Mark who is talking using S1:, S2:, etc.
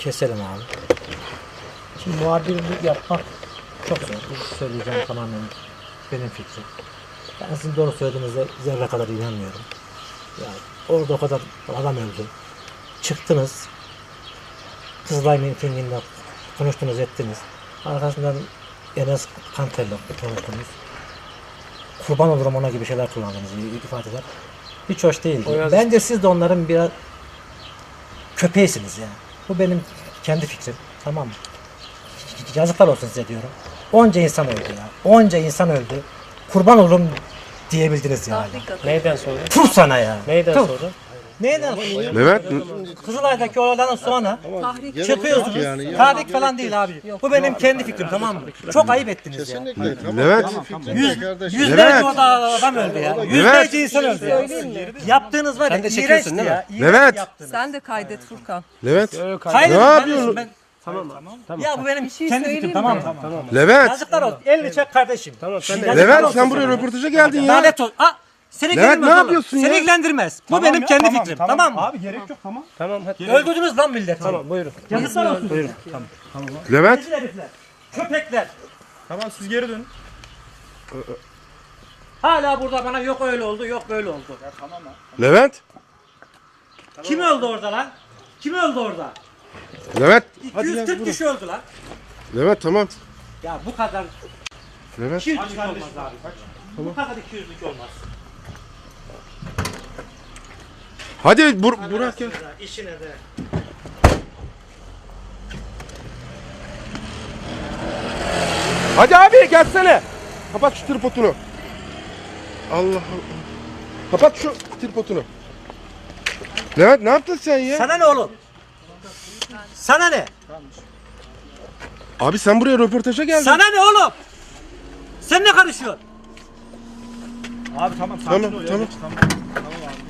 S1: keselim abi. Şimdi muhabirlik yapmak çok zor. Bu söyleyeceğim tamamen benim fikrim. Ben sizin doğru söylediğinize zerre kadar inanmıyorum. Yani orada o kadar adam öldü. Çıktınız. Kızılay mitinginde konuştunuz ettiniz. Arkasından Enes Kanter'le konuştunuz. Kurban olurum ona gibi şeyler kullandınız, ifadeler. Hiç hoş değil. Bence siz de onların biraz köpeğisiniz yani. Bu benim kendi fikrim. Tamam mı? Yazıklar olsun size diyorum. Onca insan öldü ya. Onca insan öldü. Kurban olurum diyebildiniz yani.
S2: Neyden sonra?
S1: Tuh sana ya.
S2: Neyden
S1: Tuh.
S2: sonra?
S1: Neyden sonra?
S3: Levent
S1: Kızılay'daki olaylardan sonra çıkıyorsunuz.
S4: yani.
S1: Tahrik falan değil abi. Bu benim kendi fikrim, tamam mı? Çok ayıp ettiniz ya.
S4: Kesinlikle. Tamam.
S3: Levent.
S1: Yüzlerce
S3: Levent.
S1: orada adam öldü ya. Yüzlerce insan öldü ya. Yaptığınız var ya,
S2: Sen de çekiyorsun
S1: iğrençti
S2: değil mi?
S1: ya. İğrenç
S3: Levent.
S1: yaptınız.
S5: Sen de kaydet Furkan.
S3: Levent.
S1: Hayır,
S3: Ne
S1: ben-
S3: yapıyorsun?
S1: ben-
S2: Tamam.
S1: Ya bu benim
S5: şey
S1: kendi
S5: söyleyeyim
S1: fikrim,
S5: mi?
S1: tamam mı?
S3: Levent.
S1: Yazıklar olsun. Elini çek kardeşim.
S2: Tamam sen de.
S1: Yazıklar
S3: Levent
S1: olsun
S3: sen buraya
S1: sana.
S3: röportaja geldin ya.
S1: Lanet ol. Seni
S3: Levent,
S1: ilgilendirmez
S3: ne
S1: oğlum.
S3: yapıyorsun
S1: Seni
S3: ya?
S1: ilgilendirmez. Bu benim kendi fikrim. Tamam mı?
S6: Abi gerek yok, tamam.
S2: Tamam hadi.
S1: Öldürdünüz lan milleti.
S2: Tamam buyurun.
S1: Yazıklar olsun.
S2: Buyurun.
S3: Levent.
S1: Rezil herifler. Köpekler.
S6: Tamam siz geri dönün.
S1: Hala burada bana yok öyle oldu, yok böyle oldu.
S3: Levent.
S1: Kim öldü orada lan? Kim öldü orada?
S3: Levent.
S1: 240 kişi öldü lan.
S3: Levent tamam.
S1: Ya bu kadar
S3: Levent.
S1: 200'lük olmaz abi. Bu kadar 200'lük olmaz.
S3: Hadi Burak ya.
S1: İşine de.
S3: Hadi abi gelsene. Kapat şu tripodunu. Allah Allah. Kapat şu tripodunu. Levent ne yaptın sen ya?
S1: Sana ne oğlum? Sana ne?
S3: Abi sen buraya röportaja geldin.
S1: Sana ne oğlum? Sen ne karışıyorsun?
S6: Abi tamam sakin
S3: Tamam,
S6: ol ya.
S3: tamam.
S6: Tamam. Tamam abi.